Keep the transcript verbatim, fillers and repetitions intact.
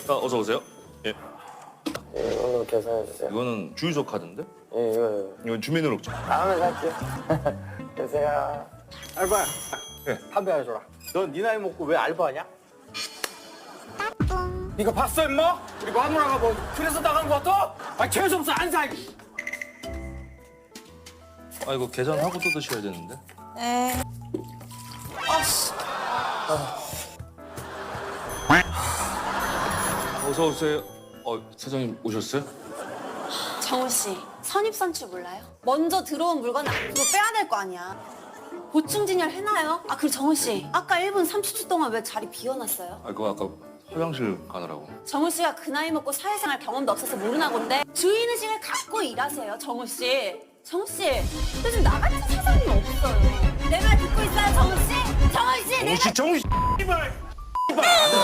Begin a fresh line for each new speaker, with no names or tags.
아, 어서 오세요. 예.
예, 오늘 계산해 주세요.
이거는 주유소 카드인데?
예, 이거
이건 주민등록증.
다음에 살게요. 계세요.
알바야.
예.
담배 하나 줘라. 넌 네 나이 먹고 왜 알바하냐? 이거 봤어 임마? 우리 마누라가 뭐 그래서 나간 거 같아? 아 재수없어 안 사.
아, 이거 계산하고 또 드셔야 되는데.
네. 아씨.
어서 오세요. 어, 사장님 오셨어요?
정우 씨, 선입선출 몰라요? 먼저 들어온 물건 앞으로 빼야 될 거 아니야. 보충진열 해놔요. 아 그리고 정우 씨, 아까 일 분 삼십 초 동안 왜 자리 비워놨어요?
아, 그거 아까 화장실 가느라고.
정우 씨가 그 나이 먹고 사회생활 경험도 없어서 모르나 본데 주인의식을 갖고 일하세요, 정우 씨. 정우 씨, 요즘 나 같은 사장님 없어요. 내 말 듣고 있어요, 정우 씨? 정우 씨, 내 말.
정씨, 정씨, 이발. 이발.